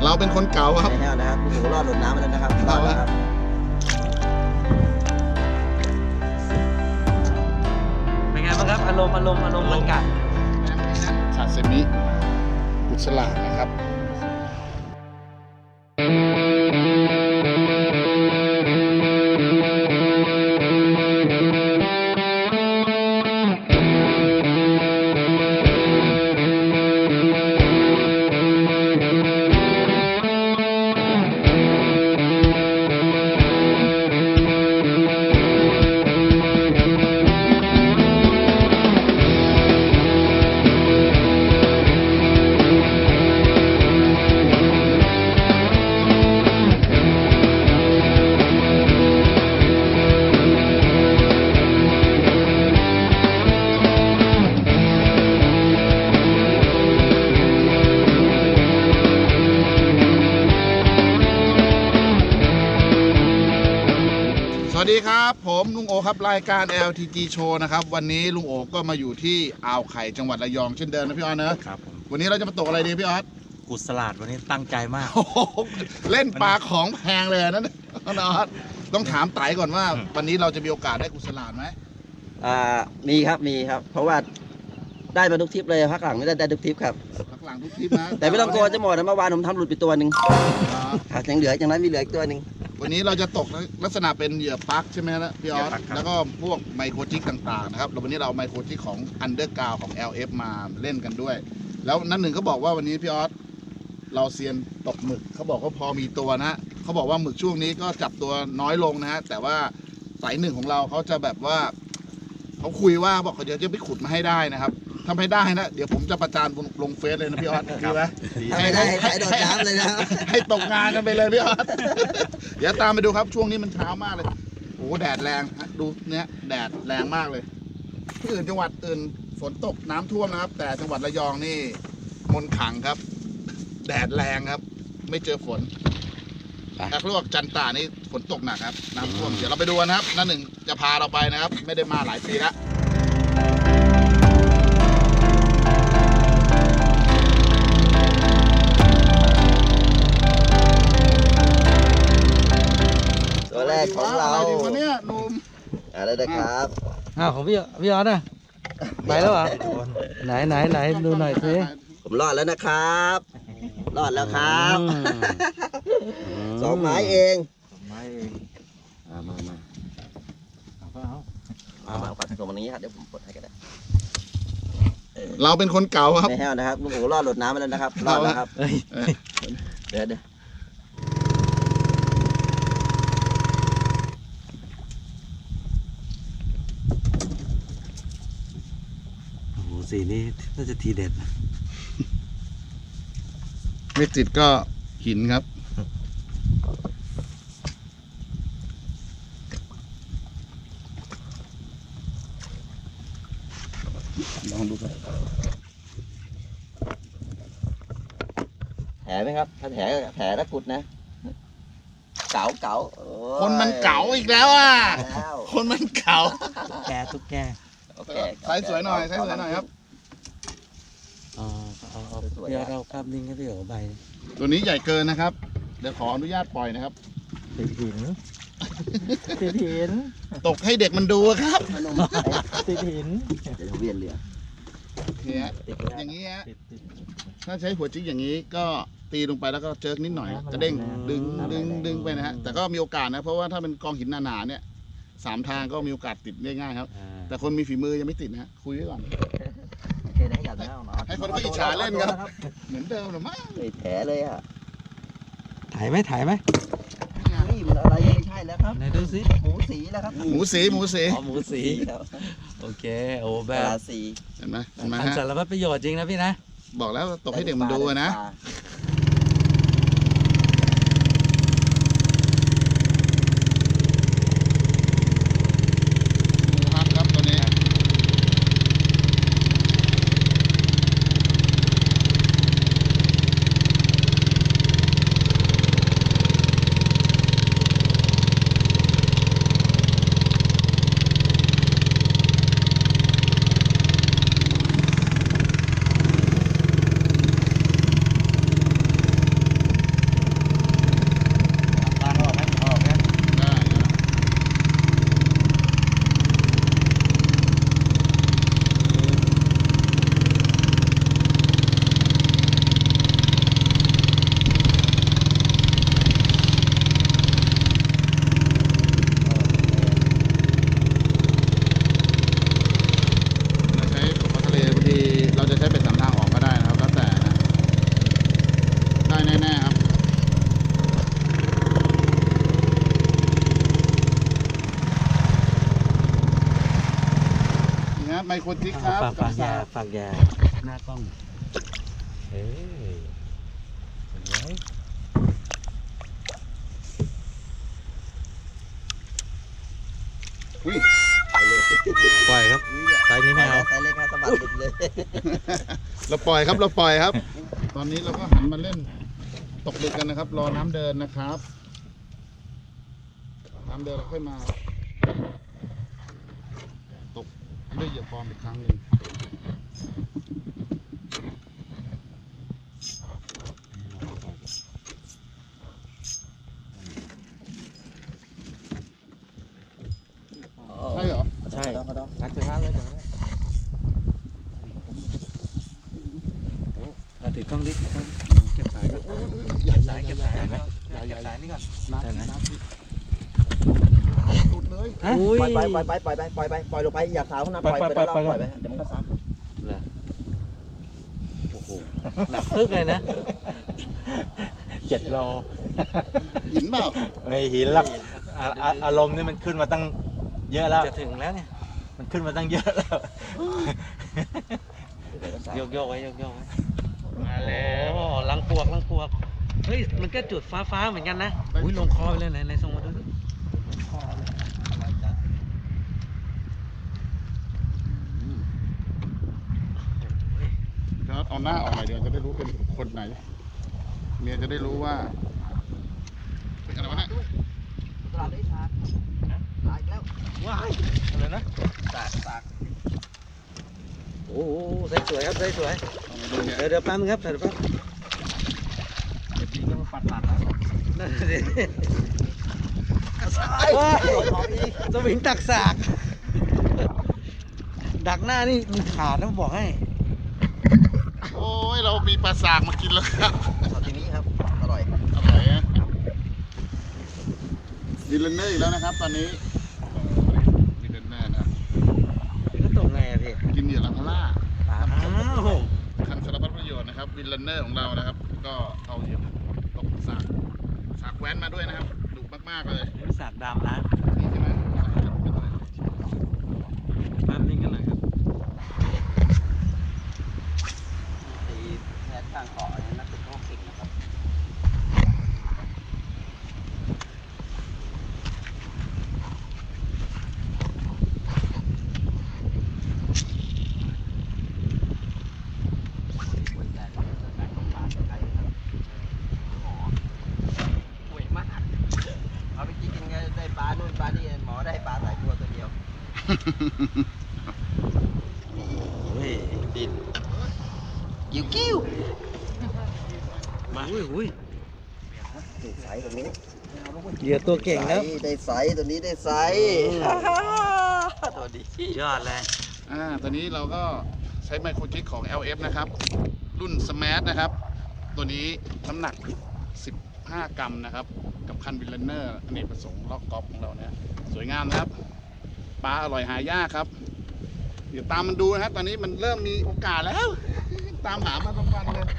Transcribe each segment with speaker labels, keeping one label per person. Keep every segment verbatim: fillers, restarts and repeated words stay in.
Speaker 1: เราเป็นคนเก่าครับ
Speaker 2: ไม่แห้วนะครับโอ้โหรอดหลุดน้ำไปแล้วนะครับรอดแล้วครับ
Speaker 3: เป็นไงบ้างครับอารมณ์อารมณ์อารมณ์มันกัด
Speaker 1: ซาซิมิกุศลานะครับสวัสดีครับผมลุงโอครับรายการ แอล ที จี Show นะครับวันนี้ลุงโอก็มาอยู่ที่อ่าวไข่จังหวัดระยองเช่นเดิมนะพี่ออสนะครับวันนี้เราจะมาตกอะไรดีพี่ออส
Speaker 3: กุศลาดวันนี้ตั้งใจมาก
Speaker 1: เล่นปลาของแพงเลยนั่นนะออสต้องถามไต่ก่อนว่าวันนี้เราจะมีโอกาสได้กุศลาดไหม
Speaker 2: อ่ามีครับมีครับเพราะว่าได้มาทุกทริปเลยพักหลังไม่ได้ได้ทุกทริปครับ
Speaker 1: พักหลังทุกทริปนะ
Speaker 2: แต่ไม่ต้องกลัวจะหมดนะเมื่อวานผมทำหลุดไปตัวหนึ่งยังเหลืออย่างนั้นมีเหลืออีกตัวหนึ่ง
Speaker 1: วันนี้เราจะตกลักษณะเป็นเหยื่อปลั๊กใช่ไหมนะพี่ออสแล้วก็พวกไมโครจิกต่างๆนะครับแล้ววันนี้เราไมโครจิกของอันเดอร์กราวของ แอล เอฟ มาเล่นกันด้วยแล้วนั่นหนึ่งเขาบอกว่าวันนี้พี่ออสเราเซียนตกหมึกเขาบอกว่าพอมีตัวนะเขาบอกว่าหมึกช่วงนี้ก็จับตัวน้อยลงนะฮะแต่ว่าสายหนึ่งของเราเขาจะแบบว่าเขาคุยว่าบอกเขาเดี๋ยวจะไปขุดมาให้ได้นะครับทำให้ได้นะเดี๋ยวผมจะประจานลงเฟซเลยนะพี่ออสดีไหม
Speaker 2: ให้ได้ให้โดดน้ำเลยนะ
Speaker 1: ให้ตกงานกันไปเลยพี่ออสเดี๋ยวตามไปดูครับช่วงนี้มันเช้ามากเลยโอ้แดดแรงดูเนี้ยแดดแรงมากเลยที่อื่นจังหวัดอื่นฝนตกน้ำท่วมนะครับแต่จังหวัดระยองนี่มนขังครับแดดแรงครับไม่เจอฝนถ้าเรียกว่าจันตานี่ฝนตกหนักครับน้ำท่วมเดี๋ยวเราไปดูนะครับนั่นหนึ่งจะพาเราไปนะครับไม่ได้มาหลายปีแล้ว
Speaker 2: ตัวแรกของเรา
Speaker 1: อะไรดีวะเนี่ยนุ่ม
Speaker 2: อะไรนะครับ
Speaker 3: อ้าวของพี่พี่ออสนะไปแล้วเหรอไหนไหนไหนดูหน่อยสิ
Speaker 2: ผมรอดแล้วนะครับรอดแล้วครับสองไม้เอง
Speaker 3: ไม้เอง
Speaker 2: มามามาเอามาปัดตรงนี้ครับเดี๋ยวผมปลดให้ก็ได้
Speaker 1: เราเป็นคนเก่าครับ
Speaker 2: ไม่แห้วนะครับลุงโอรอดหลุดน้ำไปแล้วนะครับรอดแล้วครับเดี๋ยวเดี๋ยว
Speaker 3: โอ้โหสีนี้น่าจะทีเด็ด
Speaker 1: ไม่ติดก็หินครับลองดูครับ
Speaker 2: แผลไหมครับถ้าแผลแผลตะกุดนะเก๋าเก๋า
Speaker 1: คนมันเก๋าอีกแล้วอ่ะคนมันเก๋า
Speaker 3: แกตุ๊กแก
Speaker 1: ใส่สวยหน่อยใส่สวยหน่อยครับ
Speaker 3: อ๋อเอาเอาเดี๋ยวเราภาพนิ่งให้พี่โอ๋ใบ
Speaker 1: ตัวนี้ใหญ่เกินนะครับเดี๋ยวขออนุญาตปล่อยนะครับ
Speaker 3: ติดหินติดหิน
Speaker 1: ตกให้เด็กมันดูครับ
Speaker 3: ติดหิน
Speaker 2: เดี๋ยวเวียนเรือ
Speaker 1: เนี่ยอย่างนี้ฮะถ้าใช้หัวจิ๊กอย่างนี้ก็ตีลงไปแล้วก็เจิกนิดหน่อยกระเด้งดึงดึงดึงไปนะฮะแต่ก็มีโอกาสนะเพราะว่าถ้าเป็นกองหินหนาๆเนี่ยสามทางก็มีโอกาสติดได้ง่ายครับแต่คนมีฝีมือยังไม่ติดนะฮะคุยไว้ก่อนให้คนเขาอิจฉาเล่นครับเหมือนเดิมหรือมั้ง
Speaker 2: แผลเลยอ่ะ
Speaker 3: ถ่ายไหมถ่ายไหม
Speaker 2: นี่มันอะไรไม่ใช่แล้วครับ
Speaker 3: ไหนดูสิ
Speaker 2: หมูสีแล้วครับ
Speaker 1: หมูสีหมูสี
Speaker 3: อ๋อหมูสีโอเคโอ้แบบ
Speaker 1: สีเห็นไหมเห็นไหม
Speaker 3: ฮะสารพัดประโยชน์จริงนะพี่นะ
Speaker 1: บอกแล้วตกให้เด็กมันดูนะรจิกครับ
Speaker 3: ฝากฝากยา
Speaker 1: กับ
Speaker 3: ฝากยาหน้ากล้องเฮ้ยเห็นไหม
Speaker 1: อุ้ย
Speaker 3: ปล่อยครับไซส์นี้ไม่เอา
Speaker 2: ใส่เลยครับสะบัดหลุดเลย
Speaker 1: เราปล่อยครับเราปล่อยครับ ตอนนี้เราก็หันมาเล่นตกดึกกันนะครับ รอน้ำเดินนะครับ น้ำเดินเราค่อยมา ตกด้วยเหยื่อปลอมอีกครั้งหนึ่งใช่เหรอ
Speaker 3: ใช่
Speaker 2: กระดอง
Speaker 3: งัดถึงห้าเลยถึงเราถือกล้องดิเก็บสายก่อนเก็บสายเก็บสายไหมเก็บสายนี่ก่อน
Speaker 1: น้ำ
Speaker 3: ได้ไหม
Speaker 1: น้ำสุดเลย
Speaker 3: อุ้ย
Speaker 2: ปล่อยไปปล่อยไปปล่อยไปปล่อยไปปล่อยลงไปอย่าสาวนะปล่อยไปแล้วปล่อยไปเดี๋ยวมันก็ซัก
Speaker 3: เหรอโอ้โหหนักตึกเลยนะเจ็ดโล
Speaker 1: หินเปล่า
Speaker 4: ไม่หินหรอกอ่ะอ่ะอารมณ์นี่มันขึ้นมาตั้งเยอะแล้ว
Speaker 3: จะถึงแล้วเนี่ย
Speaker 4: มันขึ้นมาตั้งเยอะแล้ว
Speaker 3: โยกโยกไว้โยกโยกไว้มาแล้วลังปวกลังปวกเฮ้ยมันก็จุดฟ้าฟ้าเหมือนกันนะอุ้ยลงคอไปเลยไหนไหนส่งมาดูดิ
Speaker 1: แล้วเอาหน้าออกหน่อยเดี๋ยวจะได้รู้เป็นคนไหน เมียจะได้รู้ว่าเป็นอะไรวะเนี่ย
Speaker 2: ตลาดได้ชาร์จตายแล้ว
Speaker 3: ว้ายอะไรนะ
Speaker 2: ตากตาก
Speaker 3: โอ้โหใส่สวยครับใส่สวย
Speaker 1: เอามาดูเนี่ย
Speaker 3: เดี๋ยวเดี๋ยวแป๊บนึงครับเดี๋ยวแป๊บ
Speaker 4: จริงๆก็มาปัดปัดแล้ว
Speaker 3: นั่นสิ
Speaker 2: ไอ้
Speaker 3: ว้าย
Speaker 2: ของอีก
Speaker 3: สวิงตักสากดักหน้านี่มึงขาดนะบอกให้
Speaker 1: โอ้ยเรามีปลาสากมากินแล้วครับ
Speaker 2: ตอนทีนี้ครับอร่อย
Speaker 1: อร่อยนะดิลเลนเนอร์อีกแล้วนะครับ ตอนนี้ดิลเลนเนอร์นะ
Speaker 3: พี่ก็ตกไงอะพี่
Speaker 1: กินเหยื่อลังคาร่า
Speaker 3: อ้าว
Speaker 1: ทำสารพัดประโยชน์นะครับวิลเลนเนอร์ของเรานะครับ ก็เอาเหยื่อตกสากสากแว้นมาด้วยนะครับดุมากๆเลย
Speaker 3: นี่สากดำนะ
Speaker 1: นี่ใช่ไหมสากจะเป็นอะไร
Speaker 3: แป๊บนึงกันหน่อยครับ
Speaker 2: ตีแทนข้างขออันนี้นักเป็นโรคเก่งนะครับ เอาไปกินกันได้ปลานู่นปลานี่หมอได้ปลาสายบัวตัวเดียว
Speaker 3: เฮ้ย
Speaker 2: ดินกิ้วกิ้ว
Speaker 3: มาอุ้ยอุ้ย
Speaker 2: ได้ใสตัวนี้
Speaker 3: เหยื่อตัวเก่งครับ
Speaker 2: ได้ใสตัวนี้ได้ใสตัวดี
Speaker 3: ยอดเลย
Speaker 1: อ่าตอนนี้เราก็ใช้ไมโครจิกของ แอล เอฟ นะครับ รุ่น Smash นะครับ ตัวนี้น้ำหนัก สิบห้า กรัมนะครับ กับคันวิลเลนเนอร์อเนกประสงค์ล็อกกอล์ฟของเราเนี่ยสวยงามนะครับ ปลาอร่อยหายากครับ เดี๋ยวตามมันดูนะครับ ตอนนี้มันเริ่มมีโอกาสแล้ว ตามหามาทั้งวันเลย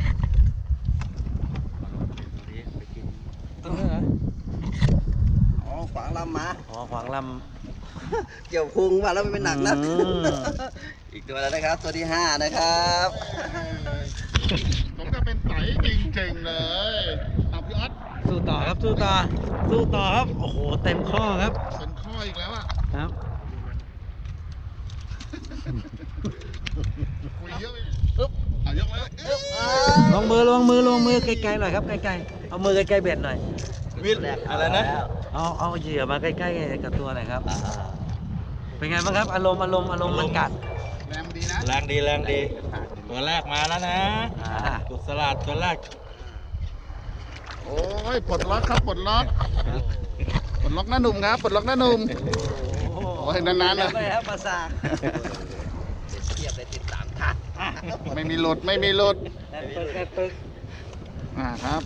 Speaker 3: ต้นนี้เหรอ
Speaker 2: อ๋อขวางลำมา
Speaker 3: อ๋อขวางล
Speaker 2: เกี่ยวพุงมาแล้วมันเป็นหนักนะ
Speaker 3: อืม
Speaker 2: อีกตัวแล้วนะครับ ตัวที่ห้านะครับ
Speaker 1: ผมจะเป็นไตจริงๆเลยเอาพี่ออส
Speaker 3: ำสู้ต่อครับสู้ต่อสู้ต่อครับโอ้โหเต็มข้อครับ
Speaker 1: เป็นข้ออีกแล้วอ่ะ
Speaker 3: ครับ
Speaker 1: คุยเยอะไปอึ๊บเอายกเลยอึ๊บ
Speaker 3: ลงมือลงมือลงมือไกลๆหน่อยครับไกลๆเอามือใกล้ๆเบ็ดหน่อย
Speaker 4: วิทอะไรนะ
Speaker 3: เอาเอาเหยื่อมาใกล้ๆกับตัวหน่อยครับเป็นไงบ้างครับอารมณ์อารมณ์อารมณ์มันกัด
Speaker 1: แรงดีนะ
Speaker 4: แรงดีแรงดี ตัวแรกมาแล้วนะ
Speaker 3: อ่า
Speaker 4: กุศลาดตัวแรก
Speaker 1: โอ้ยปลดล็อกครับปลดล็อกปลดล็อกหน้าหนุ่มครับปลดล็อกหน้าหนุ่ม โอ้ยนานๆนะ
Speaker 3: ไปครับภาษา
Speaker 2: เทียบเลยติดสามทัด
Speaker 1: ไม่มีหลุดไม่มีหลุด
Speaker 3: แอนปึกแอนปึก
Speaker 1: อ่าครับ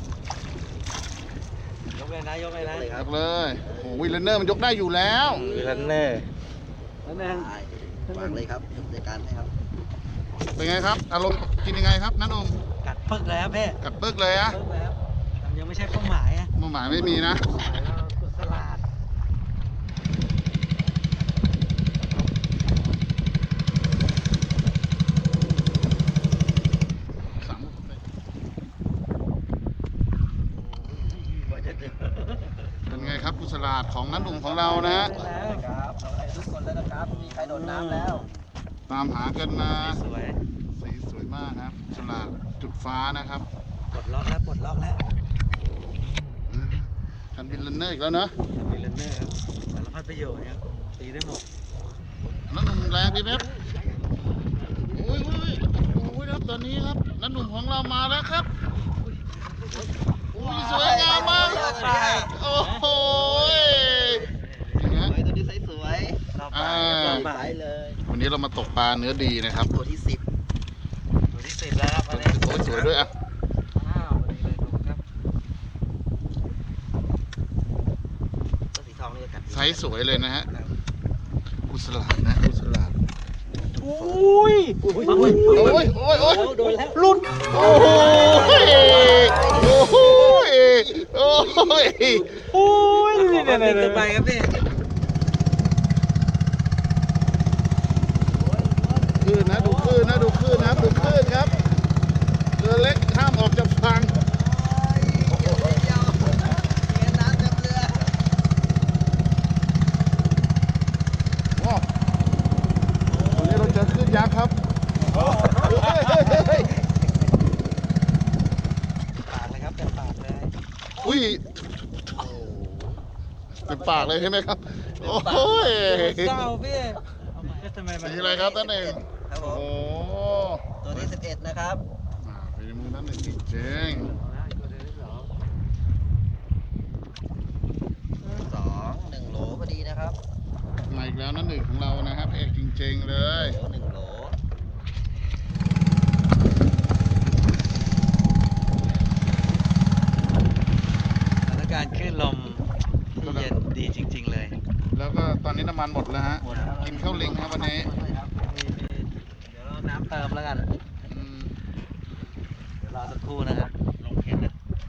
Speaker 3: ยกเลยนะยกเลยนะ
Speaker 1: ยกเลยโอ้โหวิลเลนเนอร์มันยกได้อยู่แล้ว
Speaker 4: วิลันเนอร์
Speaker 3: แล้วแม่ง
Speaker 2: วางเลยครับจัดการให้ครับ
Speaker 1: เป็นไงครับ อารมณ์กินยังไงครับน้าหนุ่ม
Speaker 3: กัดปึกแล้วพี่
Speaker 1: กัดปึ๊กเลยอะ
Speaker 3: ปึกแล้วแต่ยังไม่ใช่เป้าหมายอะ
Speaker 1: เป้าหมายไม่มีนะ
Speaker 3: เป้าหมายเรากดสลัด
Speaker 1: โสลาดของนันหนุ่มของเรานะฮะ
Speaker 2: ครับเอาอะไรทุกคนแล้วนะครับไม่มีใครโดนน้ำแล้ว
Speaker 1: ตามหากันมา
Speaker 3: สวย
Speaker 1: สีสวยมากครับสลาดจุดฟ้านะครับ
Speaker 3: ปลดล็อกแล้วปลดล็อกแล้ว
Speaker 1: คันบินลันเนอร์อีกแล้วเนอะ
Speaker 3: มีเลนเนอร์ครับสารพัดประโยชน์ครับตีได้หมด
Speaker 1: นันหนุ่มแรงดีไหมครับโอ้ยโอ้ยโอ้ยครับตอนนี้ครับนันหนุ่มของเรามาแล้วครับโอ้ยสวยงามมากโอ้โหนี่
Speaker 2: ส
Speaker 1: ฮะ
Speaker 2: วยตัวนี้สวย
Speaker 3: รอบ
Speaker 1: อ่า
Speaker 3: บ่ายรอบ
Speaker 2: ๆ
Speaker 3: บ่า
Speaker 2: ใส
Speaker 3: ย
Speaker 2: เลย
Speaker 1: วันนี้เรามาตกปลาเนื้อดีนะครับ
Speaker 2: ตัวที่สิบ
Speaker 3: ตัวที่สิบแล้วครับอันนี้
Speaker 1: โอ้ยสวยด้วยอ่ะ
Speaker 3: อ้าวพอดีเลยครับ
Speaker 2: ตัวสีทองนี่จะกัด
Speaker 1: ไซส์สวยเลยนะฮะกุสลาดนะกุสลาด
Speaker 3: อุ้ย
Speaker 1: โอ้ยโอ้ยโอ้ยโอ้ย
Speaker 3: โดนแล้ว
Speaker 1: ลุดโอ้ยโอ้ยโอ้ย
Speaker 3: โอ้ยนี่เนี่ยเนี่ยไปครับพี่
Speaker 1: คลื่นนะดูคลื่นนะดูคลื่นนะครับดูคลื่นครับเรือเล็กห้ามออกจากฝั่ง
Speaker 2: โอ้โหเดียวเงี้ยน้ำเต็มเรือ
Speaker 1: โอ้วันนี้เราเจอคลื่นยักษ์ครับเฮ้ยเฮ้ยเฮ้ยเฮ้ย
Speaker 3: ปากเลยครับเต็มปากเลย
Speaker 1: อุ้ยเป็นปากเลยใช่ไหมครับโอ้ย
Speaker 3: เศร้าพี่ทำไมมัน
Speaker 1: สีอะไรครับท่านเอง
Speaker 2: ครับผ
Speaker 1: โอ้
Speaker 2: ม
Speaker 1: โห
Speaker 2: ตัวที่สิบเอ็ดนะครับ
Speaker 1: อ่าเป็นมือนั้นหนึ่งจริง
Speaker 2: สองหนึ่งโหลพอดีนะครับ
Speaker 1: ๆมาอีกแล้วนั่นหนึ่งของเรานะครับเอกจริงๆเลย
Speaker 2: โหลหนึ่งโหล
Speaker 3: สถานการณ์คลื่นลมที่เย็นดีจริง ๆ เลย
Speaker 1: แล้วก็ตอนนี้น้ำมันหมดแล้วฮะกินข้าวลิงครับวันนี้
Speaker 3: มีมีเดี๋ยวเราน้ำเติมแล้วกัน
Speaker 1: อืม
Speaker 3: เดี๋ยวรอสักครู่นะครับลงเข็นนะ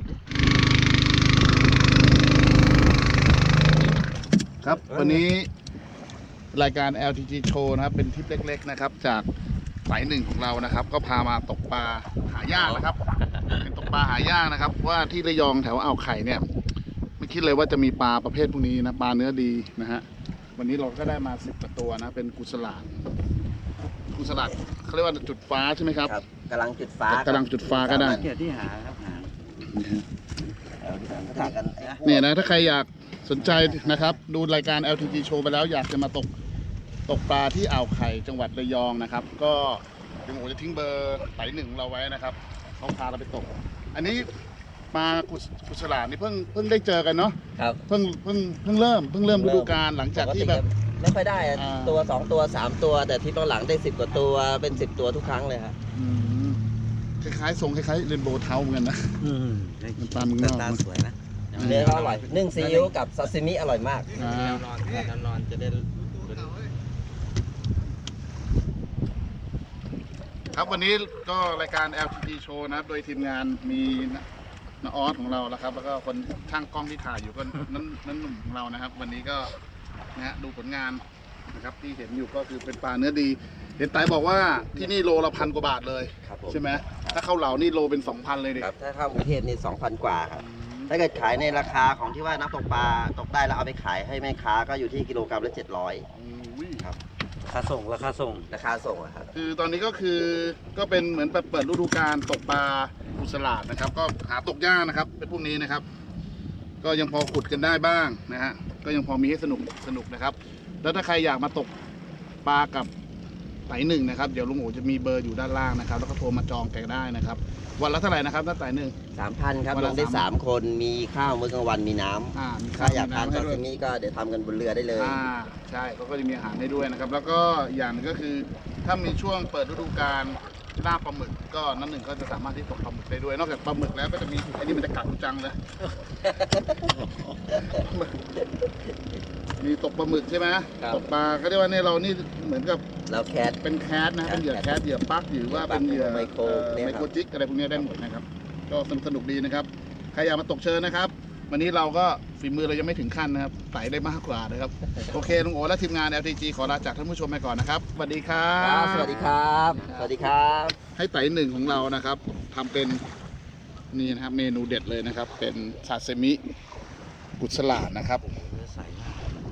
Speaker 1: ครับวันนี้รายการ แอล ที จี Show นะครับเป็นทริปเล็กๆนะครับจากสายหนึ่งของเรานะครับ ก็พามาตกปลาหายากนะครับ เป็นตกปลาหายากนะครับว่าที่ระยองแถวอ่าวไข่เนี่ยไม่คิดเลยว่าจะมีปลาประเภทพวกนี้นะปลาเนื้อดีนะฮะวันนี้เราก็ได้มาสิบกว่าตัวนะเป็นกุสลาดกุสลาดเขาเรียกว่าจุดฟ้าใช่ไหมครับ
Speaker 2: ครับกำลังจุดฟ้าก
Speaker 1: ำลังจุดฟ้าก็ได้
Speaker 3: เกียรติที่หาครับหา
Speaker 2: ถ่ายกัน
Speaker 1: เนี่ยนะถ้าใครอยากสนใจนะครับ ดูรายการ แอล ที จี Show ไปแล้วอยากจะมาตกตกปลาที่อ่าวไข่จังหวัดระยองนะครับ ก็เดี๋ยวผมจะทิ้งเบอร์สายหนึ่งของเราไว้นะครับเขาพาเราไปตก อันนี้ปลากุศกุศลาดนี่เพิ่งเพิ่งได้เจอกันเนาะ
Speaker 2: ครับ
Speaker 1: เพิ่งเพิ่งเพิ่งเริ่มเพิ่งเริ่มฤดูกาลหลังจากที่แบบ
Speaker 2: ไม่ค่อยได้อะ
Speaker 1: อ่า
Speaker 2: ตัวสองตัวสามตัว แต่ทริปหลังๆได้สิบกว่าตัวเป็นสิบตัวทุกครั้งเลยครับ
Speaker 1: อืมคล้ายๆทรงคล้ายๆเรนโบว์เทาเหมือนกันนะ
Speaker 3: อืม
Speaker 1: มันปลาเมืองนอก
Speaker 3: ตาสวยนะ
Speaker 2: เนื้อเขาอร่อยนึ่งซีอิ๊วกับซาซิมิอร่อยมาก
Speaker 1: อ่า
Speaker 3: แนวนอนแนวนอนจะได้
Speaker 1: ครับวันนี้ก็รายการ แอล ที จี Show นะครับโดยทีมงานมีน้าออสของเราแล้วครับ แล้วก็คนช่างกล้องที่ถ่ายอยู่ก็นั่นนั่นหนุ่มของเรานะครับ วันนี้ก็นะฮะดูผลงานนะครับที่เห็นอยู่ก็คือเป็นปลาเนื้อดี เห็นไตบอกว่าที่นี่โลละพันกว่าบาทเลย
Speaker 2: ครับผม
Speaker 1: ใช่ไหมถ้าเข้าเหลานี่โลเป็นสองพันเลยดิ
Speaker 2: ครับถ้าเข้ากรุงเทพนี่สองพันกว่าครับ ถ้าเกิดขายในราคาของที่ว่านักตกปลาตกได้แล้วเอาไปขายให้แม่ค้าก็อยู่ที่กิโลกรัมละเจ็ดร้อย
Speaker 1: อุ้ย
Speaker 2: ครับ
Speaker 3: ราคาส่งราคาส่ง
Speaker 2: ราคาส่งอะครับ
Speaker 1: คือตอนนี้ก็คือก็เป็นเหมือนเปิดฤดูกาลตกปลากุสลาดนะครับ ก็หาตกยากนะครับเป็นพวกนี้นะครับ ก็ยังพอขุดกันได้บ้างนะฮะก็ยังพอมีให้สนุกสนุกนะครับ แล้วถ้าใครอยากมาตกปลากับไต่หนึ่งนะครับเดี๋ยวลุงโอจะมีเบอร์อยู่ด้านล่างนะครับ แล้วก็โทรมาจองแกได้นะครับ วันละเท่าไหร่นะครับถ้าไต่หนึ่ง
Speaker 2: สามพันครับ
Speaker 1: วัน
Speaker 2: ล
Speaker 1: ละ
Speaker 2: งได้
Speaker 1: สาม
Speaker 2: สามคนมีข้าวมื้อกลางวันมีน้ำ
Speaker 1: อ่ามี
Speaker 2: ถ้าอยากทาน
Speaker 1: มี
Speaker 2: ซา
Speaker 1: น้ำให้
Speaker 2: ซิ
Speaker 1: ด้วย
Speaker 2: มิก็เดี๋ยวทำกันบนเรือได้เลย
Speaker 1: อ่าใช่เขาก็จะมีอาหารให้ด้วยนะครับ แล้วก็อย่างหนึงก็คือถ้ามีช่วงเปิดฤดูกาลล่าปลาหมึกก็นั่นหนึ่งก็จะสามารถที่ตกปลาหมึกได้ด้วย นอกจากปลาหมึกแล้วก็จะมีอันนี้มันจะกัดกูจังเลย มีตกปลาหมึกใช่ไหม
Speaker 2: ครับ
Speaker 1: ตกปลาก็เรียกว่าเนี่ยเรานี่เหมือนกับ
Speaker 2: แล้วแคท
Speaker 1: เป็นแคสนะเป็นเหยื่อแคสเหยื่อปักหรือว่าเป็นเหยื่อ
Speaker 2: ไมโคร
Speaker 1: เอ่อ
Speaker 2: เนี่ย
Speaker 1: ไม
Speaker 2: ครับ
Speaker 1: โครจิกอะไรพวกนี้ได้หมดนะครับ ก็สนุกสนุกดีนะครับ ใครอยากมาตกเชิญนะครับ วันนี้เราก็ฝีมือเรายังไม่ถึงขั้นนะครับไต่ได้มากกว่านะครับ โอเคลุงโอและทีมงาน แอล ที จี ขอลาจากท่านผู้ชมไปก่อนนะครับสวัสดีครั
Speaker 2: ครับ บสวัสดีครับ สวัสดีครับ
Speaker 1: ให้ไต่หนึ่งของเรานะครับทำเป็นนี่นะครับเมนูเด็ดเลยนะครับ เป็นซาซิมิกุศลาดนะครับ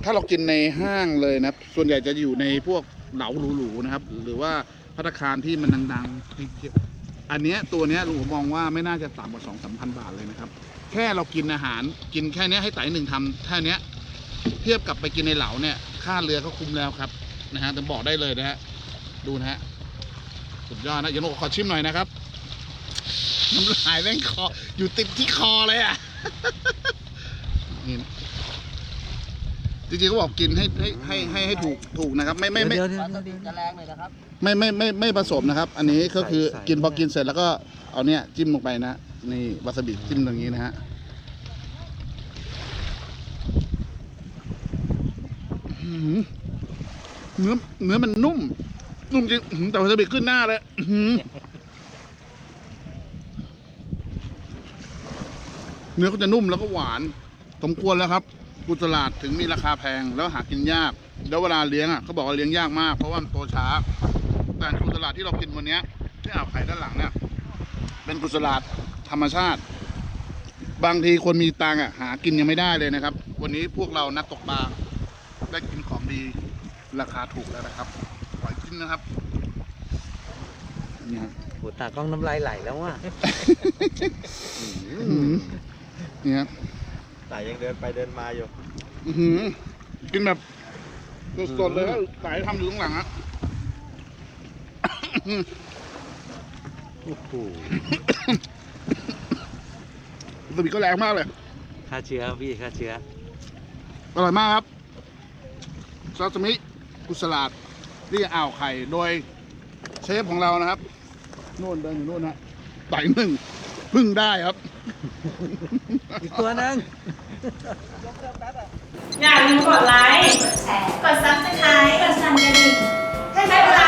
Speaker 1: ถ้าเรากินในห้างเลยนะส่วนใหญ่จะอยู่ในพวกเหลาหรูๆนะครับ หรือว่าภัตตาคารที่มันดังๆ อันเนี้ยตัวเนี้ยลุงผมมองว่าไม่น่าจะต่ำกว่าสองสามพันบาทเลยนะครับ แค่เรากินอาหารกินแค่เนี้ยให้ไต่หนึ่งทำแค่เนี้ยเทียบกับไปกินในเหลาเนี่ยค่าเรือก็คุ้มแล้วครับนะฮะแต่บอกได้เลยนะฮะดูนะฮะสุดยอดนะอย่าโนขอชิมหน่อยนะครับน้ำลายแม่งคออยู่ติดที่คอเลยอ่ะ นี่นะจริงๆเขาบอกกินให้ให้ให้ให้ให้ถูกถูกนะครับ ไม่ไม่ไม่
Speaker 3: เดี๋ยวเดี๋ยว
Speaker 2: วาซา
Speaker 3: เดี๋
Speaker 2: บิ
Speaker 3: ยว
Speaker 2: จะแรงหน่อยนะครับ
Speaker 1: ไม่ไม่ไม่ไม่ผสมนะครับ อันนี้ก็คือ
Speaker 3: ใส่
Speaker 1: กินพอ
Speaker 3: ใส่
Speaker 1: กินเสร็จแล้วก็เอาเนี้ยจิ้มลงไปนะนี่วาซาบิจิ้มตรงนี้นะฮะอื้อหือเนื้อเนื้อมันนุ่ม นุ่มจริงอื้อหือแต่วาซาบิขึ้นหน้าเลยอื้อหือเนื้อก็จะนุ่มแล้วก็หวาน สมควรแล้วครับกุสลาดถึงมีราคาแพงแล้วหากินยาก แล้วเวลาเลี้ยงอ่ะเขาบอกว่าเลี้ยงยากมากเพราะว่ามันโตช้า แต่กุสลาดที่เรากินวันเนี้ยที่อ่าวไข่ด้านหลังเนี่ยเป็นกุสลาดธรรมชาติ บางทีคนมีตังค์อ่ะหากินยังไม่ได้เลยนะครับ วันนี้พวกเรานักตกปลาได้กินของดีราคาถูกแล้วนะครับปล่อยกินนะครับนี่ครับ
Speaker 3: โหตากล้องน้ำลายไหลแล้วว่ะ
Speaker 1: อื้อหือนี่ครับ
Speaker 4: แต่ยังเดินไปเดินมาอยู่
Speaker 1: อื้อหือกินแบบสดๆเลยแล้วสายทำอยู่ข้างหลังอะ
Speaker 3: โอ้โห
Speaker 1: สบิก็แรงมากเลย
Speaker 3: ฆ่าเชื้อพี่ฆ่าเชื้อ
Speaker 1: อร่อยมากครับซาซิมิกุสลาดที่อ่าวไข่โดยเชฟของเรานะครับโน่นเดินอยู่โน่นนะไต่หนึ่งพึ่งได้ครับ
Speaker 3: อีกตัวหนึง
Speaker 5: อย่าลืมกดไลค์ กดแชร์ กดซับสไครต์ กดสั่นกระดิ่งให้ได้เวลา